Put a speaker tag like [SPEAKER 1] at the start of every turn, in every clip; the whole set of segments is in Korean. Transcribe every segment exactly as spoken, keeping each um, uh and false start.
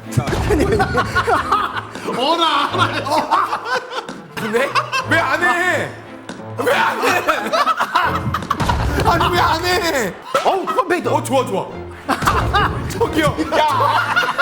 [SPEAKER 1] 어라.
[SPEAKER 2] 근데 왜 안 해? 왜 안 해? 아니 왜 안 해?
[SPEAKER 1] 어우 컴퓨터.
[SPEAKER 2] 어 좋아 좋아. 저기요. 야.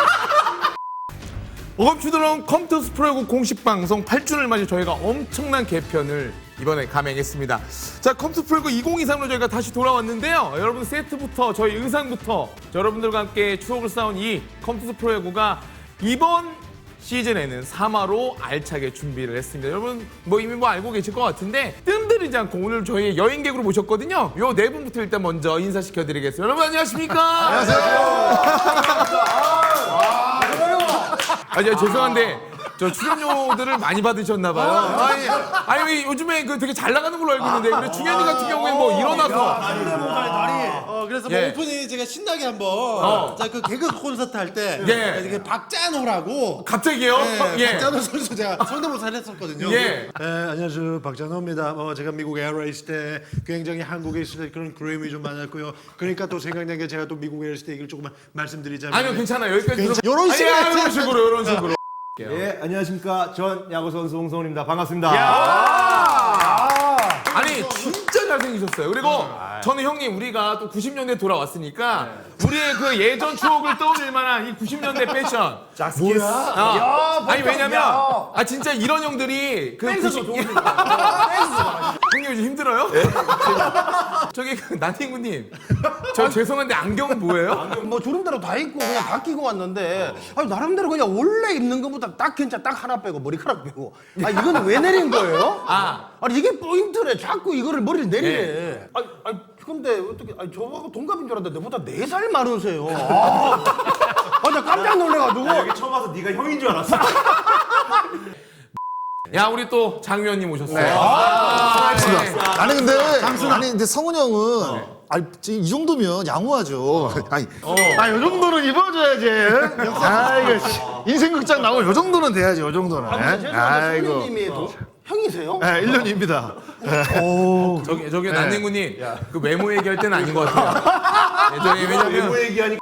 [SPEAKER 2] 어감추드럼 컴투스 프로야구 공식 방송 팔 주년을 맞이 저희가 엄청난 개편을 이번에 감행했습니다. 자, 컴투스 프로야구 이천이십삼으로 저희가 다시 돌아왔는데요. 여러분 세트부터 저희 의상부터 여러분들과 함께 추억을 쌓은 이 컴투스 프로야구가 이번 시즌에는 삼 화로 알차게 준비를 했습니다. 여러분 뭐 이미 뭐 알고 계실 것 같은데 뜸들이지 않고 오늘 저희 여행객으로 모셨거든요. 요 네 분부터 일단 먼저 인사시켜드리겠습니다. 여러분 안녕하십니까? 안녕하세요. 아, 저 죄송한데 저 출연료들을 많이 받으셨나 봐요. 아니, 아니 왜 요즘에 그 되게 잘 나가는 걸로 알고 있는데 근데 중현이 같은 경우에는 뭐 일어나서
[SPEAKER 1] 다리 다리.
[SPEAKER 3] 어 그래서
[SPEAKER 2] 예.
[SPEAKER 3] 뭐 오프닝 제가 신나게 한번
[SPEAKER 2] 어.
[SPEAKER 3] 자 그 개그 콘서트 할 때
[SPEAKER 2] 예.
[SPEAKER 3] 이게 박찬호라고
[SPEAKER 2] 갑자기요?
[SPEAKER 3] 예,
[SPEAKER 2] 예.
[SPEAKER 3] 박찬호 선수 제가 성대모사를 했었거든요.
[SPEAKER 2] 예.
[SPEAKER 3] 예, 안녕하세요 박찬호입니다. 어, 제가 미국 에어라인 있을 때 굉장히 한국에 있을 때 그런 그림이 좀 많았고요. 그러니까 또 생각난 게 제가 또 미국 에어라인 있을 때 얘기를 조금만 말씀드리자면
[SPEAKER 2] 아니요 괜찮아요. 여기까지 들어.
[SPEAKER 3] 요런 식으로
[SPEAKER 2] 아니,
[SPEAKER 3] 했지.
[SPEAKER 2] 이런 식으로 이런 식으로.
[SPEAKER 1] 예 안녕하십니까 전 야구 선수 홍성훈입니다. 반갑습니다.
[SPEAKER 2] 아니 진짜 잘생기셨어요. 그리고 저는 형님 우리가 또 구십 년대 돌아왔으니까 우리의 그 예전 추억을 떠올릴 만한 이 구십 년대 패션.
[SPEAKER 1] 자스키스.
[SPEAKER 2] 아, 아니 왜냐면 아 진짜 이런 형들이 그 구십 형님 요즘 힘들어요? 저기 그 나닝구님 저 죄송한데 안경은 뭐예요?
[SPEAKER 4] 뭐 주름대로 다 입고 그냥 다 끼고 왔는데 아니 나름대로 그냥 원래 입는 것보다 딱 괜찮아. 딱 하나 빼고 머리카락 빼고 아 이거는 왜 내린 거예요?
[SPEAKER 2] 아.
[SPEAKER 4] 아니 이게 포인트래. 자꾸 이거를 머리를 내리래.
[SPEAKER 2] 예.
[SPEAKER 4] 아니, 아니 근데 어떻게 아니 저하고 동갑인 줄 알았는데 너보다 네 살 많으세요. 아, 아, 나 깜짝 놀래가지고.
[SPEAKER 1] 여기 처음 와서 네가 형인 줄 알았어.
[SPEAKER 2] 야 우리 또 장 위원님 오셨어요.
[SPEAKER 4] 아,
[SPEAKER 2] 네.
[SPEAKER 5] 아니 근데 아니 근데 성훈 형은 아니 지금 이 정도면 양호하죠. 아니 아, 요 정도는 입어줘야지. 아 이거 씨, 인생 극장 나오면 요 정도는 돼야지. 요 정도는.
[SPEAKER 4] 아니, 죄송한데 선생님이 동- 형이세요?
[SPEAKER 5] 네, 일 년입니다.
[SPEAKER 2] 저기 저기 난닝구님 그 외모 얘기할 때는 아닌 것 같아요. 네, 저기 왜냐면
[SPEAKER 1] 얘기하니까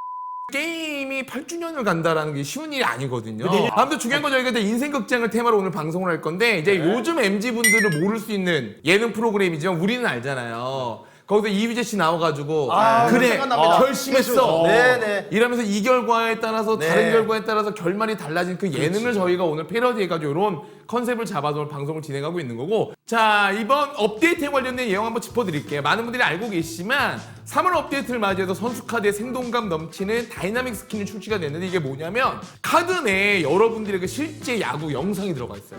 [SPEAKER 2] 게임이 팔 주년을 간다라는 게 쉬운 일이 아니거든요. 아무튼 중요한 건 저희가 이제 인생 극장을 테마로 오늘 방송을 할 건데 이제 요즘 엠지 분들을 모를 수 있는 예능 프로그램이지만 우리는 알잖아요. 거기서 이휘재 씨 나와가지고 그래
[SPEAKER 4] 생각납니다.
[SPEAKER 2] 결심했어.
[SPEAKER 4] 네네.
[SPEAKER 2] 이러면서 이 결과에 따라서
[SPEAKER 4] 네.
[SPEAKER 2] 다른 결과에 따라서 결말이 달라진 그 예능을 저희가 오늘 패러디해가지고 이런 컨셉을 잡아서 오늘 방송을 진행하고 있는 거고 자 이번 업데이트에 관련된 내용 한번 짚어드릴게요. 많은 분들이 알고 계시지만 삼월 업데이트를 맞이해서 선수 카드에 생동감 넘치는 다이나믹 스킨이 출시가 됐는데 이게 뭐냐면 카드 내에 여러분들의 그 실제 야구 영상이 들어가 있어요.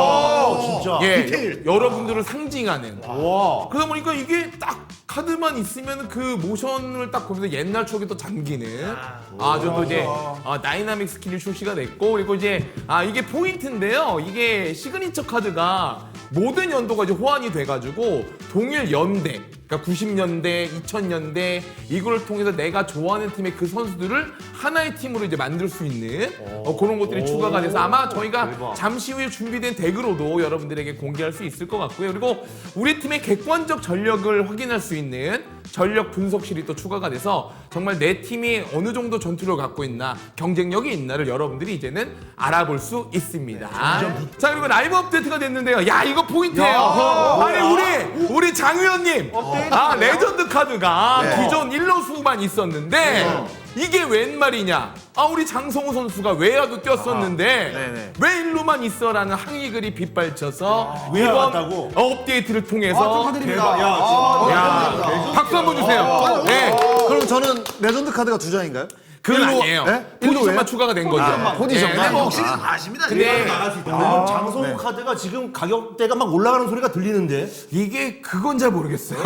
[SPEAKER 1] 야 진짜.
[SPEAKER 2] 예, 여러분들을 상징하는. 그러다 보니까 이게 딱 카드만 있으면 그 모션을 딱 보면서 옛날 추억에 또 잠기는 아주 또 이제 아, 다이나믹 스킬이 출시가 됐고 그리고 이제 아 이게 포인트인데요. 이게 시그니처 카드가 모든 연도가 이제 호환이 돼가지고 동일 연대 그러니까 구십 년대, 이천 년대 이걸 통해서 내가 좋아하는 팀의 그 선수들을 하나의 팀으로 이제 만들 수 있는 어, 그런 것들이 추가가 돼서 아마 저희가 잠시 후에 준비된 덱으로도 여러분들에게 공개할 수 있을 것 같고요. 그리고 우리 팀의 객관적 전력을 확인할 수 있는 전력 분석실이 또 추가가 돼서 정말 내 팀이 어느 정도 전투력을 갖고 있나 경쟁력이 있나를 여러분들이 이제는 알아볼 수 있습니다. 자 그리고 라이브 업데이트가 됐는데요. 야 이거 포인트예요. 아니 우리 우리 장 위원님 아 레전드 카드가 기존 일루수만 있었는데 이게 웬 말이냐? 아 우리 장성호 선수가 외야도 뛰었었는데 왜 일루만 있어라는 항의글이 빗발쳐서
[SPEAKER 1] 외야
[SPEAKER 2] 이번
[SPEAKER 1] 같다고?
[SPEAKER 2] 업데이트를 통해서
[SPEAKER 4] 축하드립니다.
[SPEAKER 1] 야 진짜.
[SPEAKER 2] 야 박수 한번 주세요. 네.
[SPEAKER 5] 그럼 저는 레전드 카드가 두 장인가요?
[SPEAKER 2] 그건
[SPEAKER 5] 일로-
[SPEAKER 2] 아니에요.
[SPEAKER 5] 네?
[SPEAKER 2] 포지션만
[SPEAKER 5] 일로
[SPEAKER 2] 추가가 된 거죠.
[SPEAKER 5] 포지션만.
[SPEAKER 2] 네, 네.
[SPEAKER 3] 혹시 아십니다.
[SPEAKER 2] 근데
[SPEAKER 1] 나갈 수 있다. 왜냐면 장성호 카드가 지금 가격대가 막 올라가는 소리가 들리는데.
[SPEAKER 2] 이게 그건 잘 모르겠어요.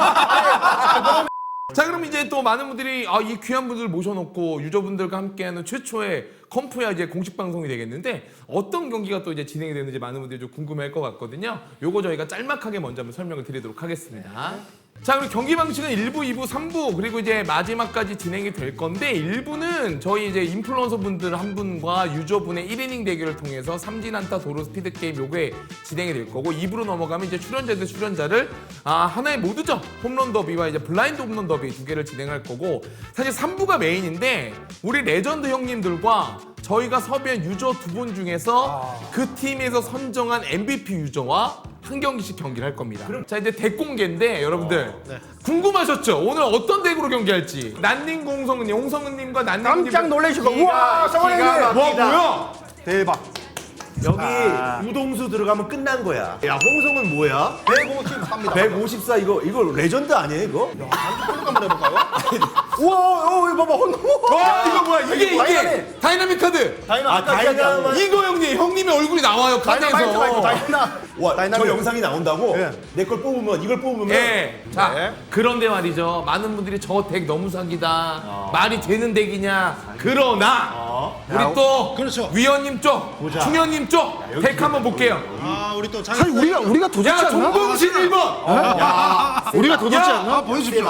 [SPEAKER 2] 자 그럼 이제 또 많은 분들이 아, 이 귀한 분들 모셔놓고 유저분들과 함께하는 최초의 컴프야 이제 공식 방송이 되겠는데 어떤 경기가 또 이제 진행이 되는지 많은 분들이 좀 궁금해할 것 같거든요. 요거 저희가 짤막하게 먼저 한번 설명을 드리도록 하겠습니다. 자 그리고 경기 방식은 일 부, 이 부, 삼 부 그리고 이제 마지막까지 진행이 될 건데 일 부는 저희 이제 인플루언서 분들 한 분과 유저분의 일 이닝 대결을 통해서 삼진 안타 도로 스피드 게임 요게 진행이 될 거고 이 부로 넘어가면 이제 출연자 대 출연자를 아 하나의 모드죠. 홈런 더비와 이제 블라인드 홈런 더비 두 개를 진행할 거고 사실 삼 부가 메인인데 우리 레전드 형님들과 저희가 섭외한 유저 두 분 중에서 그 팀에서 선정한 엠브이피 유저와 한 경기씩 경기를 할 겁니다. 자 이제 덱 공개인데 여러분들 궁금하셨죠? 오늘 어떤 덱으로 경기할지. 난닝 공성은님, 홍성은님과 난닝님
[SPEAKER 4] 깜짝 놀라시고 우와 성원형님
[SPEAKER 2] 와 뭐야?
[SPEAKER 4] 대박.
[SPEAKER 1] 여기 우동수 들어가면 끝난 거야. 야 홍성은 뭐야?
[SPEAKER 4] 백오십사입니다.
[SPEAKER 1] 백오십사 이거 이거 레전드 아니에요 이거?
[SPEAKER 4] 한번 해볼까요? 우와 어, 이거 봐봐 혼동.
[SPEAKER 2] 와 이거 뭐야? 이게 이게 다이나믹 카드.
[SPEAKER 1] 아 다이나마
[SPEAKER 2] 이거 형님 형님의 얼굴이 나와요
[SPEAKER 4] 다이나마이트 말고
[SPEAKER 2] 카드에서.
[SPEAKER 4] 다이나.
[SPEAKER 1] 와, 저
[SPEAKER 4] 다이나믹.
[SPEAKER 1] 영상이 나온다고?
[SPEAKER 4] 예.
[SPEAKER 1] 내 걸 뽑으면 이걸 뽑으면
[SPEAKER 2] 예. 자
[SPEAKER 4] 네.
[SPEAKER 2] 그런데 말이죠. 많은 분들이 저 덱 너무 사기다. 말이 되는 덱이냐? 그러나 우리 또
[SPEAKER 3] 그렇죠.
[SPEAKER 2] 위원님 쪽, 충현님 쪽 덱 한번 볼게요.
[SPEAKER 3] 아 우리 또 장.
[SPEAKER 5] 사실 우리가 우리가 더 좋지
[SPEAKER 2] 야
[SPEAKER 5] 않나?
[SPEAKER 2] 종봉신 일 번.
[SPEAKER 5] 우리가 더 좋지 않나?
[SPEAKER 3] 아 보여주십시오.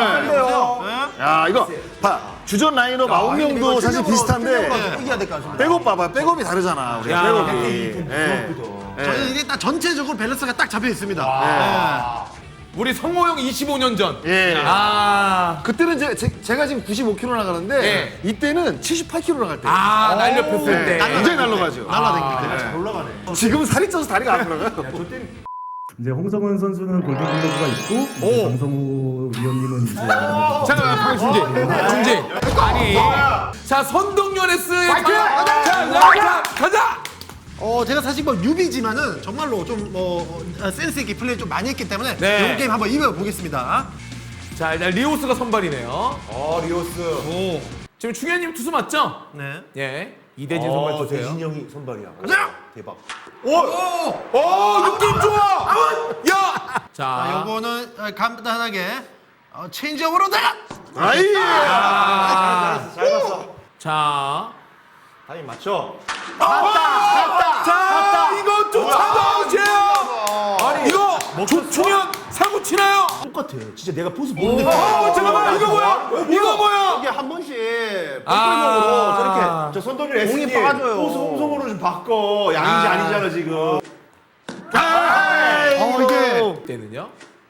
[SPEAKER 5] 야 이거 봐 주전 라인업 아홉 명도 사실 비슷한데
[SPEAKER 4] 이겨야 될 것 같습니다.
[SPEAKER 5] 백업 봐봐 백업이 다르잖아 우리가
[SPEAKER 2] 야.
[SPEAKER 5] 백업이. 예.
[SPEAKER 3] 저는 이게 딱 전체적으로 밸런스가 딱 잡혀 있습니다.
[SPEAKER 2] 우리 성호 형 이십오 년 전.
[SPEAKER 5] 예.
[SPEAKER 2] 아.
[SPEAKER 5] 그때는 제, 제, 제가 지금 구십오 킬로그램 나가는데
[SPEAKER 2] 예.
[SPEAKER 5] 이때는 칠십팔 킬로그램 나갈 때.
[SPEAKER 2] 아 날렵했을
[SPEAKER 5] 네.
[SPEAKER 2] 때.
[SPEAKER 5] 굉장히 날라가죠.
[SPEAKER 3] 날라다니는데.
[SPEAKER 1] 잘 올라가네.
[SPEAKER 5] 지금 살이 쪄서 다리가 안 들어가요.
[SPEAKER 6] 이제 홍성은 선수는 골든글러브가 있고 이제 정성우 위원님은 이제
[SPEAKER 2] 잠깐만 방금 중지. 중지. 아니. 자 선동연에스의 자, 자, 자, 가자.
[SPEAKER 3] 어 제가 사실 뭐 뉴비지만은 정말로 좀뭐 센스 있게 플레이 좀 많이 했기 때문에
[SPEAKER 2] 네.
[SPEAKER 3] 이번 게임 한번 이겨 보겠습니다.
[SPEAKER 2] 자 일단 리오스가 선발이네요.
[SPEAKER 1] 어 리오스.
[SPEAKER 2] 지금 충현님 투수 맞죠?
[SPEAKER 3] 네.
[SPEAKER 2] 예. 이대진 선발
[SPEAKER 1] 어
[SPEAKER 2] 투수예요.
[SPEAKER 1] 대진 형이 선발이야.
[SPEAKER 3] 가자.
[SPEAKER 1] 대박.
[SPEAKER 2] 오 느낌 좋아. 야.
[SPEAKER 3] 자,
[SPEAKER 2] 자.
[SPEAKER 3] 요거는 어, 간단하게 어, 체인지업으로 나가.
[SPEAKER 5] 아이.
[SPEAKER 1] 잘 봤어.
[SPEAKER 2] 자.
[SPEAKER 1] 타임 맞춰.
[SPEAKER 2] 자, 이거 쫓아다 오세요. 아니 이거 조충현 사고 치나요?
[SPEAKER 1] 똑같아. 진짜 내가 포스 보는데.
[SPEAKER 2] 어, 잠깐만 이거 뭐야? 이거 뭐야?
[SPEAKER 4] 이게 한 번씩
[SPEAKER 2] 아.
[SPEAKER 4] 뻥뻥으로 저렇게
[SPEAKER 1] 저 손동일 에스디
[SPEAKER 4] 공이 빠져요.
[SPEAKER 1] 포스 홍성으로 좀 바꿔. 양인지
[SPEAKER 2] 아.
[SPEAKER 1] 아니잖아 지금.
[SPEAKER 3] 어 이게
[SPEAKER 2] 때는요?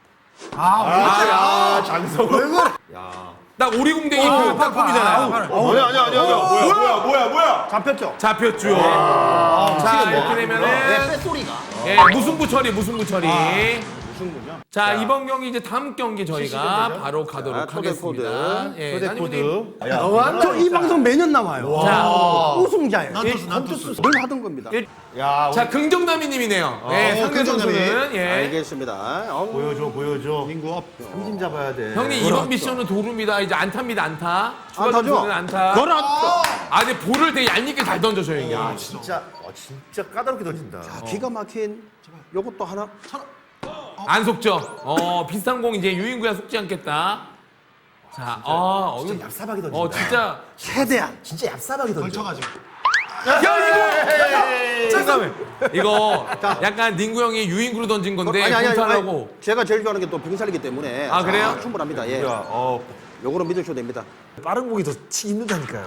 [SPEAKER 1] 아 장성우.
[SPEAKER 2] 딱 오리궁뎅이 그 팝폼이잖아요.
[SPEAKER 5] 아니야 아니야 아니야.
[SPEAKER 1] 뭐야 뭐야 뭐야 뭐야.
[SPEAKER 4] 잡혔죠.
[SPEAKER 2] 잡혔죠. 자 이렇게
[SPEAKER 4] 네,
[SPEAKER 2] 되면은
[SPEAKER 4] 쇳소리가.
[SPEAKER 2] 예, 무승부 처리, 무승부 처리. 자, 이번 경기 이제 다음 경기 저희가 바로 가도록
[SPEAKER 4] 자, 초대
[SPEAKER 2] 하겠습니다.
[SPEAKER 4] 코드.
[SPEAKER 2] 예,
[SPEAKER 1] 초대
[SPEAKER 2] 난이분님.
[SPEAKER 1] 코드. 야,
[SPEAKER 4] 저이 방송 매년 나와요.
[SPEAKER 2] 자,
[SPEAKER 4] 우승자예요.
[SPEAKER 3] 난투스 난투스.
[SPEAKER 4] 늘 하던 겁니다.
[SPEAKER 1] 야
[SPEAKER 2] 자 긍정남이님이네요. 예,
[SPEAKER 3] 어,
[SPEAKER 2] 상대
[SPEAKER 3] 긍정남이.
[SPEAKER 2] 선수는 예.
[SPEAKER 4] 알겠습니다. 어,
[SPEAKER 1] 보여줘 보여줘.
[SPEAKER 3] 민구 업.
[SPEAKER 1] 삼진 잡아야 돼.
[SPEAKER 2] 형님 이번 미션은 도루입니다. 이제 안타입니다. 안타. 추가
[SPEAKER 4] 안타죠?
[SPEAKER 2] 점수는 안타.
[SPEAKER 4] 걸었죠.
[SPEAKER 2] 아, 근데 볼을 되게 얄밉게 잘 던져줘요 이게.
[SPEAKER 1] 야 진짜 어, 진짜 까다롭게 던진다.
[SPEAKER 4] 기가 막힌 요것도 하나.
[SPEAKER 2] 안 속죠. 어, 비슷한 공 이제 유인구야 속지 않겠다. 자, 어,
[SPEAKER 1] 진짜 얍삽하게 던진다.
[SPEAKER 2] 어, 진짜.
[SPEAKER 4] 최대한.
[SPEAKER 1] 진짜 얍삽하게 던져.
[SPEAKER 3] 걸쳐가지고.
[SPEAKER 2] 야 이거 잠깐만 이거 약간 닝구 형이 유인구로 던진 건데
[SPEAKER 4] 아니 아니 아니,
[SPEAKER 2] 공타하고
[SPEAKER 4] 아니 제가 제일 좋아하는 게 또 병살이기 때문에
[SPEAKER 2] 아, 그래요?
[SPEAKER 4] 충분합니다. 예.
[SPEAKER 1] 야, 어.
[SPEAKER 4] 요거는 믿으셔도 됩니다.
[SPEAKER 5] 빠른 공이 더 치기 힘들다니까요.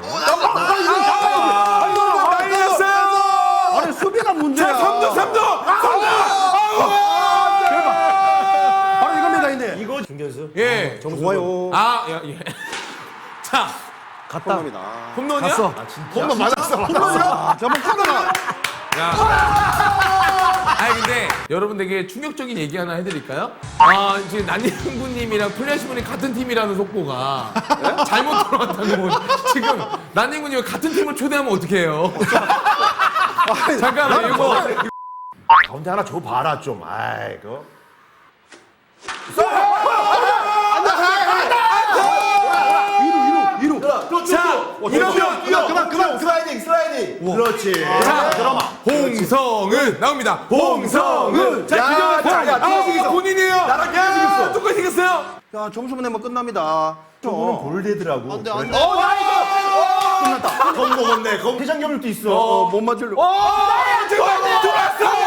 [SPEAKER 2] 날렸어요.
[SPEAKER 4] 아니 수비가 문제야.
[SPEAKER 2] 자 삼 점 삼 점
[SPEAKER 4] 바로 이겁니다, 이제.
[SPEAKER 1] 이거 중견수.
[SPEAKER 2] 예.
[SPEAKER 4] 좋아요.
[SPEAKER 2] 아, 야, 예. 자,
[SPEAKER 4] 갔다.
[SPEAKER 2] 홈런이야?
[SPEAKER 5] 갔어. 홈런 맞았어.
[SPEAKER 4] 저번 카드가
[SPEAKER 2] 야. 아니 근데 여러분 되게 충격적인 얘기 하나 해드릴까요? 아 지금 난닝구님이랑 플래시분이 같은 팀이라는 속보가 잘못 들어왔다고 지금 난닝구님 같은 팀을 초대하면 어떡해요? 잠깐만 이거
[SPEAKER 1] 가운데 하나 줘 봐라 좀. 아이 그.
[SPEAKER 2] 자 이러면
[SPEAKER 1] 그만 그만 슬라이딩 슬라이딩. 그렇지.
[SPEAKER 2] 자 홍성은 나옵니다. 홍성은 자
[SPEAKER 1] 야,
[SPEAKER 2] 기존
[SPEAKER 1] 야, 야,
[SPEAKER 2] 아 이거 본인이에요.
[SPEAKER 1] 나랑
[SPEAKER 2] 야
[SPEAKER 1] 생겼어.
[SPEAKER 2] 똑같이 생겼어요.
[SPEAKER 4] 자, 점수만 내면 끝납니다.
[SPEAKER 1] 저거는 볼대더라고.
[SPEAKER 3] 안돼 안돼.
[SPEAKER 1] 어, 나 이거. 끝났다. 검 먹었네. 검 해장염도 있어.
[SPEAKER 4] 어, 못 맞으려고.
[SPEAKER 2] 오 지금 들어왔어.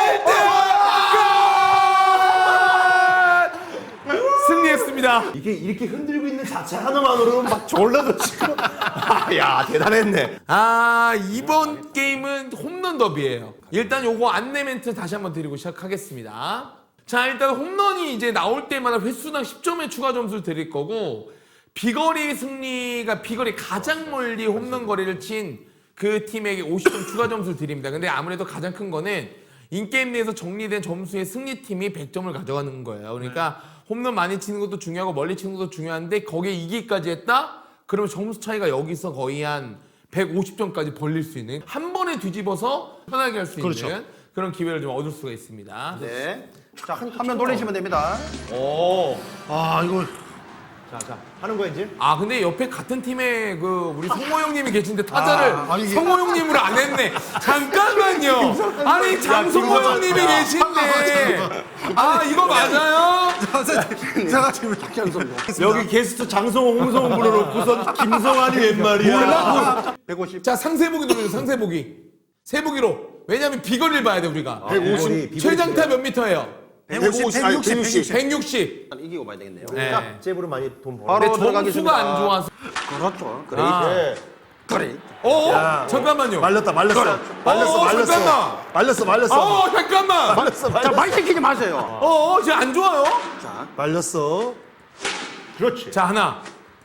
[SPEAKER 2] 승리했습니다.
[SPEAKER 1] 이게 이렇게 흔들고 있는 자체 하나만으로는 막 졸라도 지금. 아, 야 대단했네.
[SPEAKER 2] 아 이번 게임은 홈런 더비예요. 일단 요거 안내 멘트 다시 한번 드리고 시작하겠습니다. 자 일단 홈런이 이제 나올 때마다 횟수당 십 점의 추가 점수를 드릴 거고 비거리 승리가 비거리 가장 멀리 홈런 거리를 친 그 팀에게 오십 점 추가 점수를 드립니다. 근데 아무래도 가장 큰 거는 인게임 내에서 정리된 점수의 승리팀이 백 점을 가져가는 거예요. 그러니까 홈런 많이 치는 것도 중요하고 멀리 치는 것도 중요한데 거기에 이기까지 했다? 그러면 점수 차이가 여기서 거의 한 백오십 점까지 벌릴 수 있는 한 번에 뒤집어서 편하게 할 수 있는
[SPEAKER 3] 그렇죠.
[SPEAKER 2] 그런 기회를 좀 얻을 수가 있습니다.
[SPEAKER 4] 네. 자, 한, 화면 돌리시면 됩니다.
[SPEAKER 1] 오.
[SPEAKER 3] 아 이거
[SPEAKER 1] 자, 자. 하는 거야 이제?
[SPEAKER 2] 아 근데 옆에 같은 팀에 그 우리 성호 형님이 계신데 타자를
[SPEAKER 3] 아, 아니, 이게-
[SPEAKER 2] 성호 형님으로 안 했네. 잠깐만요. 아니 장성호 형님이 계신데. 아 이거 맞아요?
[SPEAKER 3] 제가 지금
[SPEAKER 1] 여기 게스트 장성호, 홍성호 불러놓고선 김성환이 웬 말이야?
[SPEAKER 4] 백오십.
[SPEAKER 2] 자 상세보기 누르세요. 상세보기. 세보기로. 왜냐면 비거리를 봐야 돼 우리가.
[SPEAKER 1] 백오십.
[SPEAKER 2] 최장타 몇 미터예요?
[SPEAKER 3] 백오십, 백육십, 백육십.
[SPEAKER 2] 백육십.
[SPEAKER 4] 이기고 봐야 되겠네요.
[SPEAKER 2] 네.
[SPEAKER 1] 잽으로 많이 돈 벌어.
[SPEAKER 4] 바로
[SPEAKER 2] 근데 점수가
[SPEAKER 4] 들어가겠습니다.
[SPEAKER 2] 안 좋아서.
[SPEAKER 4] 그렇죠. 그래.
[SPEAKER 2] 아.
[SPEAKER 1] 네.
[SPEAKER 4] 그래.
[SPEAKER 2] 어? 잠깐만요.
[SPEAKER 5] 말렸다 말렸어. 말렸어
[SPEAKER 2] 어,
[SPEAKER 5] 말렸어.
[SPEAKER 2] 잠깐만.
[SPEAKER 5] 말렸어 말렸어.
[SPEAKER 2] 어 잠깐만.
[SPEAKER 5] 말렸어
[SPEAKER 4] 자,
[SPEAKER 5] 말렸어.
[SPEAKER 4] 말 시키지 마세요.
[SPEAKER 2] 어, 어 지금 안 좋아요?
[SPEAKER 4] 자,
[SPEAKER 5] 말렸어.
[SPEAKER 1] 그렇지.
[SPEAKER 2] 자 하나.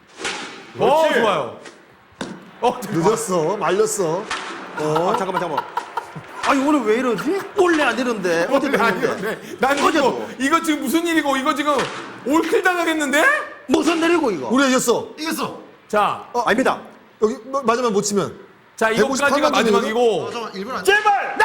[SPEAKER 2] 어
[SPEAKER 1] 그렇지.
[SPEAKER 2] 좋아요. 어
[SPEAKER 5] 늦었어. 말렸어.
[SPEAKER 4] 아, 잠깐만, 잠깐만. 아니, 오늘 왜 이러지? 원래 안 이러는데. 어제
[SPEAKER 2] 아니,
[SPEAKER 4] 됐는데.
[SPEAKER 2] 네. 난 이거
[SPEAKER 4] 어제도.
[SPEAKER 2] 이거 지금 무슨 일이고 이거 지금 올킬 당하겠는데?
[SPEAKER 4] 무슨 내리고, 이거?
[SPEAKER 5] 우리가 이겼어.
[SPEAKER 3] 이겼어.
[SPEAKER 2] 자,
[SPEAKER 4] 어, 아닙니다.
[SPEAKER 5] 여기 뭐, 마지막 못 치면.
[SPEAKER 2] 자 이거까지가
[SPEAKER 5] 백오십팔
[SPEAKER 2] 마지막이고.
[SPEAKER 3] 잠깐 일 분 안.
[SPEAKER 1] 제발!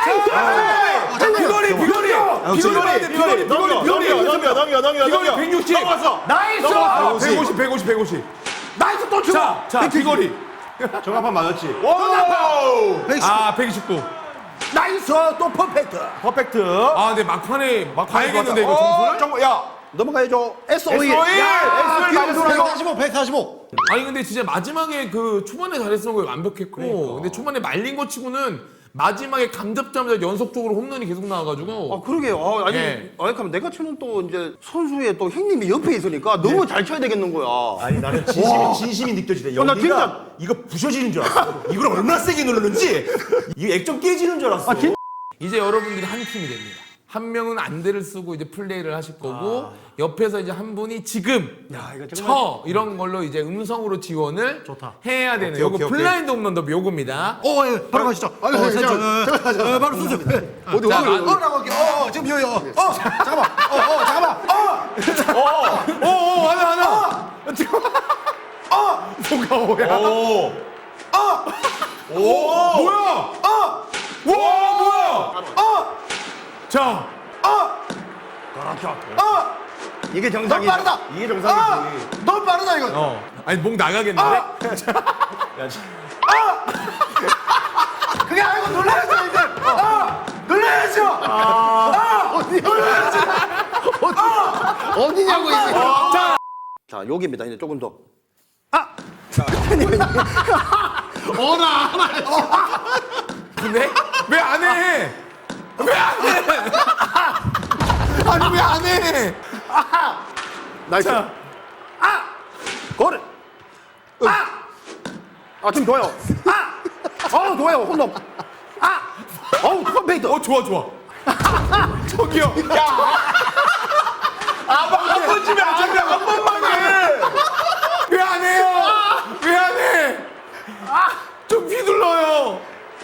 [SPEAKER 2] 비거리 비거리 비거리 봐야 돼 비거리 비거리 비거리
[SPEAKER 1] 넘겨, 넘겨, 넘겨,
[SPEAKER 2] 비거리
[SPEAKER 1] 넘겨.
[SPEAKER 2] 백육십.
[SPEAKER 1] 넘어갔어.
[SPEAKER 2] 나이스. 백오십 백오십 백오십.
[SPEAKER 4] 나이스 또 쳐!
[SPEAKER 2] 자, 자 비거리.
[SPEAKER 1] 정합판 맞았지?
[SPEAKER 2] 와우. 아 백이십구.
[SPEAKER 4] 나이스 또 퍼펙트.
[SPEAKER 1] 퍼펙트.
[SPEAKER 2] 아 근데 막판에 봐야겠는데 이거 점수를?
[SPEAKER 1] 정말 야.
[SPEAKER 4] 넘어가야죠. 에스 오 일.
[SPEAKER 1] 에스 오 일. 에스 오 일 맞았어.
[SPEAKER 3] 백사십오, 백사십오.
[SPEAKER 2] 아니 근데 진짜 마지막에 그 초반에 잘했던 거 완벽했고 근데 초반에 말린 거 치고는 마지막에 감 잡자마자 연속적으로 홈런이 계속 나와가지고
[SPEAKER 4] 아, 그러게요. 아, 아니,
[SPEAKER 2] 예.
[SPEAKER 4] 아니, 그럼 내가 치는 또 이제 선수의 또 형님이 옆에 있으니까 너무 잘 쳐야 되겠는 거야.
[SPEAKER 1] 아니 나는 진심이 진심이 느껴지네.
[SPEAKER 4] 어, 나
[SPEAKER 1] 여기가
[SPEAKER 4] 진짜-
[SPEAKER 1] 이거 부셔지는 줄 알았어. 이걸 얼마나 세게 누르는지 이 액정 깨지는 줄 알았어.
[SPEAKER 4] 아, 진-
[SPEAKER 2] 이제 여러분들이 한 팀이 됩니다. 한 명은 안대를 쓰고 이제 플레이를 하실 거고 옆에서 이제 한 분이 지금
[SPEAKER 4] 야, 이거 정말-
[SPEAKER 2] 쳐 이런 걸로 이제 음성으로 지원을
[SPEAKER 3] 좋다.
[SPEAKER 2] 해야 되는
[SPEAKER 5] 오케이,
[SPEAKER 2] 요거
[SPEAKER 5] 오케이, 오케이.
[SPEAKER 2] 블라인드 홈런도 요겁니다.
[SPEAKER 3] 어, 예, 바로 가시죠. 아, 어,
[SPEAKER 5] 잠깐만, 잠깐만, 잠깐만.
[SPEAKER 3] 바로 쓰세요.
[SPEAKER 5] 어디
[SPEAKER 2] 자,
[SPEAKER 5] 어디?
[SPEAKER 2] 마-
[SPEAKER 3] 어라고 할게요. 어, 어, 지금 비어요. 어, 잠깐만. 어, 어, 잠깐만. 어.
[SPEAKER 2] 오오 하나 하나. 지금 어 뭐가 뭐야?
[SPEAKER 1] 오.
[SPEAKER 2] 오 뭐야? 어! 와 뭐야? 어! 자,
[SPEAKER 4] 이게 정상이죠.
[SPEAKER 3] 빠르다.
[SPEAKER 1] 이게 정상이지.
[SPEAKER 3] 너무 빠르다 이거.
[SPEAKER 2] 어, 아니 목 나가겠는데?
[SPEAKER 1] 야, 진-
[SPEAKER 3] 그게 아니고 놀라야죠 이제. 어, 놀라야죠.
[SPEAKER 5] 어디냐고 이게.
[SPEAKER 4] 자, 여기입니다. 이제 조금 더.
[SPEAKER 2] 근데 왜 안 해? 왜 안 해? 아니 왜 안 해?
[SPEAKER 4] 나이스.
[SPEAKER 2] 자.
[SPEAKER 4] 아! 거를. 아! 아, 지금 좋아요. 아! 어, 좋아요. 홈런. 아! 어우, 퍼펙트.
[SPEAKER 2] 어 좋아 좋아. 저기요. 야. 아한 번쯤에 안 해. 한 번만 해. 왜 안 해요? 왜 안 해? 좀 휘둘러요.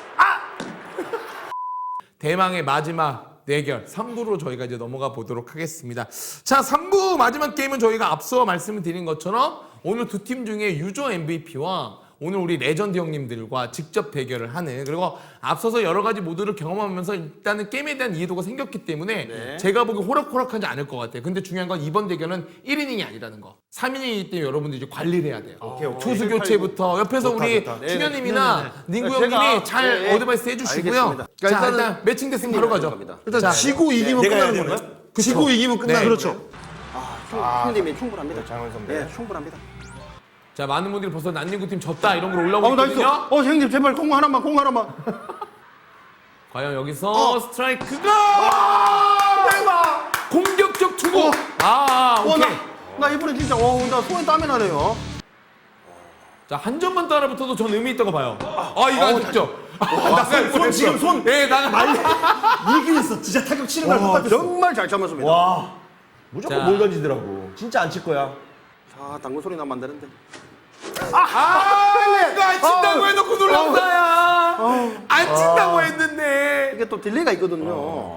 [SPEAKER 2] 대망의 마지막 대결 삼 부로 저희가 이제 넘어가 보도록 하겠습니다. 자, 삼 부 마지막 게임은 저희가 앞서 말씀을 드린 것처럼 오늘 두 팀 중에 유저 엠브이피와 오늘 우리 레전드 형님들과 직접 대결을 하는 그리고 앞서서 여러 가지 모드를 경험하면서 일단은 게임에 대한 이해도가 생겼기 때문에 제가 보기 호락호락하지 않을 것 같아요. 근데 중요한 건 이번 대결은 일 이닝이 아니라는 거. 삼 이닝이기 때문에 여러분들이 이제 관리를 해야 돼요. 투수 교체부터 옆에서 우리 충현님이나 닝구
[SPEAKER 4] 네, 제가-
[SPEAKER 2] 형님이 잘
[SPEAKER 4] 네, 네.
[SPEAKER 2] 어드바이스 해주시고요.
[SPEAKER 4] 알겠습니다.
[SPEAKER 2] 자,
[SPEAKER 5] 일단은
[SPEAKER 2] 일단 매칭 됐으면 바로 가죠.
[SPEAKER 4] 갑니다.
[SPEAKER 5] 일단
[SPEAKER 2] 자,
[SPEAKER 5] 지고 이기면
[SPEAKER 1] 내가 해야
[SPEAKER 5] 끝나는
[SPEAKER 1] 되는
[SPEAKER 5] 거네.
[SPEAKER 1] 거야?
[SPEAKER 5] 지고 이기면 끝나는
[SPEAKER 2] 네.
[SPEAKER 5] 그렇죠.
[SPEAKER 4] 형님이 충분합니다.
[SPEAKER 1] 장원 선배.
[SPEAKER 4] 네, 충분합니다.
[SPEAKER 2] 자, 많은 분들이 벌써 난닝구 팀 졌다 이런 걸
[SPEAKER 4] 어,
[SPEAKER 2] 올라오고
[SPEAKER 4] 나이스.
[SPEAKER 2] 있거든요.
[SPEAKER 4] 어, 형님, 제발 공 하나만, 공 하나만.
[SPEAKER 2] 과연 여기서 스트라이크가 대박! 공격적 투구. 아,
[SPEAKER 4] 어,
[SPEAKER 2] 오케이.
[SPEAKER 4] 나, 나 이번에 진짜, 어, 나 손에 땀이 나네요.
[SPEAKER 2] 자, 한 점만 따라붙어도 전 의미 있다고 봐요. 아, 이거 안 됐죠? 나갈
[SPEAKER 1] 손, 지금 손.
[SPEAKER 2] 예, 나가 말리.
[SPEAKER 1] 이긴 했어. 진짜 타격 치는 거랑 똑같았어.
[SPEAKER 4] 정말 잘 참았습니다.
[SPEAKER 1] 와. 무조건
[SPEAKER 2] 자.
[SPEAKER 1] 뭘 던지더라고. 진짜 안 칠 거야.
[SPEAKER 4] 자, 당구 소리 나면 안 되는데.
[SPEAKER 2] 아, 이거 안 친다고 해놓고 놀랐어야. 안 친다고 했는데.
[SPEAKER 4] 이게 또 딜레이가 있거든요.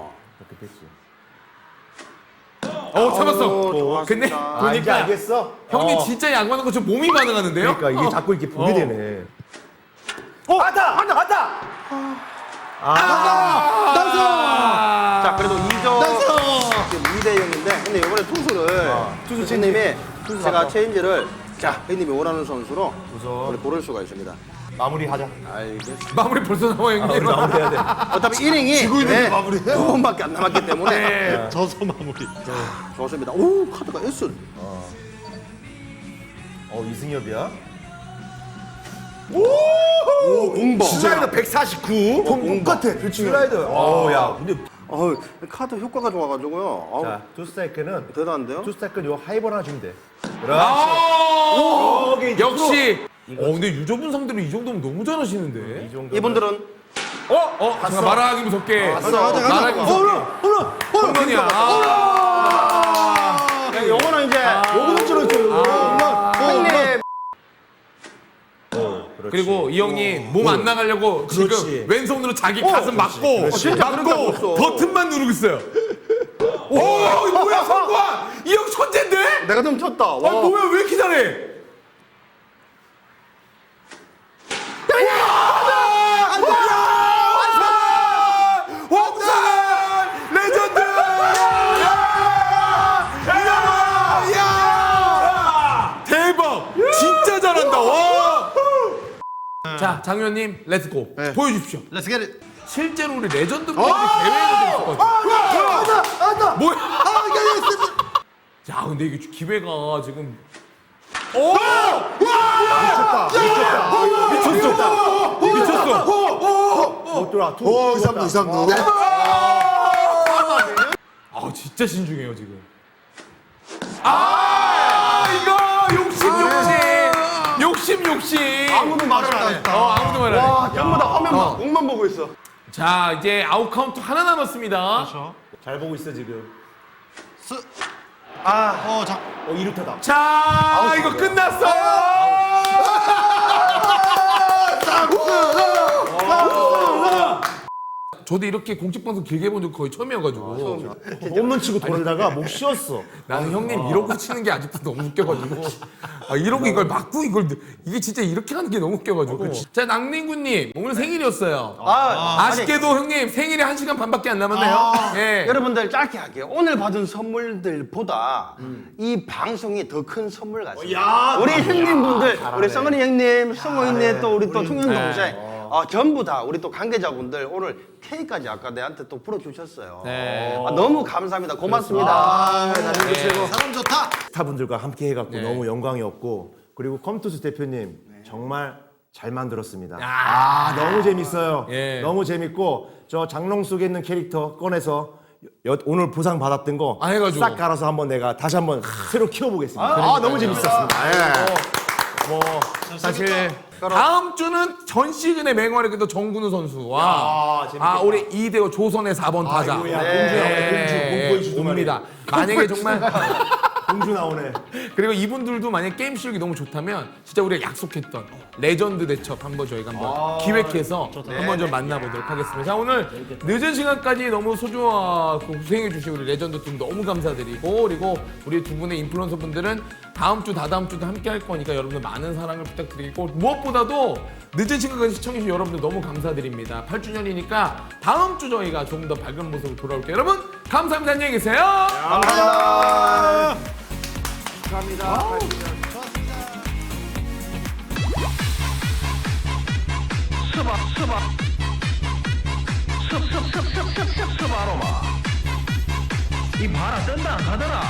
[SPEAKER 2] 어, 잡았어.
[SPEAKER 4] 어,
[SPEAKER 2] 근데
[SPEAKER 4] 좋았습니다.
[SPEAKER 1] 아, 이제
[SPEAKER 2] 보니까
[SPEAKER 1] 알겠어?
[SPEAKER 2] 형님
[SPEAKER 1] 어.
[SPEAKER 2] 진짜 양반한 것처럼 몸이 반응하는데요?
[SPEAKER 1] 그러니까 이게 자꾸 이렇게 보게
[SPEAKER 2] 어.
[SPEAKER 1] 되네. 어, 왔다! 왔다! 왔다!
[SPEAKER 2] 아,
[SPEAKER 4] 자, 그래도 이 점 지금 이 대 영인데, 근데 이번에 투수를 투수 선생님이 제가 체인지를 자, 형님이 원하는 선수로 우리 고를 수가 있습니다.
[SPEAKER 1] 마무리하자.
[SPEAKER 4] 알겠습니다.
[SPEAKER 2] 마무리 벌써 나와 형님.
[SPEAKER 1] 마무리해야 돼.
[SPEAKER 4] 어차피 이닝이 네, 두 번밖에 안 남았기 때문에
[SPEAKER 2] 네.
[SPEAKER 3] 저서 마무리.
[SPEAKER 4] 좋습니다. 오, 카드가 S.
[SPEAKER 1] 어, 이승엽이야?
[SPEAKER 4] 오, 공범.
[SPEAKER 1] 슬라이더 백사십구. 똑같아. 슬라이더. 어, 야. 근데
[SPEAKER 4] 어, 카드 효과가 좋아가지고요. 어우,
[SPEAKER 1] 자, 투 스트라이크는
[SPEAKER 4] 대단한데요?
[SPEAKER 1] 투 스트라이크는 요 하이볼 하나 주면 돼.
[SPEAKER 2] 아,
[SPEAKER 1] 오케이, 이제
[SPEAKER 2] 역시. 어, 근데 유저분 상대로 이 정도면 너무 잘하시는데.
[SPEAKER 1] 이 정도.
[SPEAKER 4] 이분들은
[SPEAKER 2] 어, 어, 잠깐 말하기 무섭게.
[SPEAKER 4] 가자, 가자, 가자.
[SPEAKER 2] 말하기 무섭게. 홈런이야. 아.
[SPEAKER 4] 네, 요거는 이제
[SPEAKER 1] 요거는 저렇죠.
[SPEAKER 4] 형님
[SPEAKER 2] 그리고 이 형님 몸 안 나가려고
[SPEAKER 1] 그렇지.
[SPEAKER 2] 지금 왼손으로 자기 가슴 막고
[SPEAKER 4] 어, 진짜 그런 적
[SPEAKER 2] 막고
[SPEAKER 4] 없어.
[SPEAKER 2] 버튼만 누르고 있어요. 오, 이거 뭐야 성관? 이 형 천재인데?
[SPEAKER 4] 내가 좀 쳤다.
[SPEAKER 2] 아
[SPEAKER 4] 와.
[SPEAKER 2] 뭐야 왜 이렇게 잘해? 왕산 레전드! 야! 대박! 진짜 잘한다. 와! 자, 장현님 렛츠고 보여주십시오.
[SPEAKER 3] Let's get it.
[SPEAKER 2] 실제로 우리 레전드 분들이 대회가 있었거든요. 뭐야? 야, 근데 이게 기회가 지금 오! 미쳤다. 미쳤다. 미쳤어.
[SPEAKER 1] 못 돌아. 투.
[SPEAKER 5] 오, 이상도 이상도.
[SPEAKER 2] 아, 진짜 신중해요, 지금. 아, 이거 욕심 욕심. 욕심 욕심.
[SPEAKER 4] 아무도 말을 안 해.
[SPEAKER 2] 어, 아무도 말 안 해.
[SPEAKER 4] 와, 전부 다 화면만
[SPEAKER 2] 어.
[SPEAKER 4] 공만 보고 있어.
[SPEAKER 2] 자, 이제 아웃 카운트 하나 남았습니다.
[SPEAKER 1] 잘 보고 있어, 지금.
[SPEAKER 3] 아, 어, 자.
[SPEAKER 1] 어, 이루타다.
[SPEAKER 2] 자, 이거 끝났어요. 저도 이렇게 공식 방송 길게 본 적 거의 처음이어가지고
[SPEAKER 1] 홈런 치고 돌다가 목 쉬었어.
[SPEAKER 2] 나는 형님 이러고 치는 게 아직도 너무 웃겨가지고 아, 이러고 이걸 맞고 이걸 이게 진짜 이렇게 하는 게 너무 웃겨가지고 자 낭민구님 오늘 생일이었어요.
[SPEAKER 4] 아,
[SPEAKER 2] 아쉽게도 형님 생일이 한 시간 반밖에 안 남았네요. 예.
[SPEAKER 4] 여러분들 짧게 할게요. 오늘 받은 선물들보다 이 방송이 더 큰 선물 같습니다. 우리 형님분들, 우리 성은이 형님, 성호 형님, 또 우리 또 총영 동생, 어, 전부 다 우리 또 관계자분들 오늘 케이크까지 아까 내한테 또 풀어주셨어요.
[SPEAKER 2] 네.
[SPEAKER 4] 아, 너무 감사합니다. 고맙습니다.
[SPEAKER 2] 네.
[SPEAKER 3] 사람 좋다.
[SPEAKER 1] 스타분들과 함께 해갖고
[SPEAKER 2] 네.
[SPEAKER 1] 너무 영광이었고 그리고 컴투스 대표님 정말 잘 만들었습니다.
[SPEAKER 2] 아.
[SPEAKER 1] 아, 너무 재밌어요.
[SPEAKER 2] 예.
[SPEAKER 1] 너무 재밌고 저 장롱 속에 있는 캐릭터 꺼내서 여- 오늘 보상 받았던 거
[SPEAKER 2] 아, 해가지고.
[SPEAKER 1] 싹 갈아서 한번 내가 다시 한번 새로 키워보겠습니다. 아, 너무 재밌었습니다. 예.
[SPEAKER 2] 뭐 사실 다음 주는 전 시즌의 맹활약이 또 정근우 선수와
[SPEAKER 1] 야, 재밌겠다.
[SPEAKER 2] 아 우리 이대호 조선의 사 번 타자
[SPEAKER 1] 아이고야,
[SPEAKER 2] 네.
[SPEAKER 1] 공주 나오네, 공주, 공포의 주둥아리.
[SPEAKER 2] 옵니다. 만약에 정말
[SPEAKER 1] 공주 나오네.
[SPEAKER 2] 그리고 이분들도 만약 게임 실력이 너무 좋다면 진짜 우리가 약속했던 레전드 대첩 한번 저희가 한번 기획해서 한번 좀 만나보도록 하겠습니다. 자 오늘 늦은 시간까지 너무 소중하고 고생해주신 우리 레전드 팀 너무 감사드리고 그리고 우리 두 분의 인플루언서 분들은 다음 주 다다음 주도 함께 할 거니까 여러분들 많은 사랑을 부탁드리고 무엇보다도 늦은 시간까지 시청해주신 여러분들 너무 감사드립니다. 팔 주년이니까 다음 주 저희가 조금 더 밝은 모습으로 돌아올게요. 여러분 감사합니다. 안녕히 계세요.
[SPEAKER 4] 감사합니다.
[SPEAKER 7] 이 봐라 뜬다 안 가더라.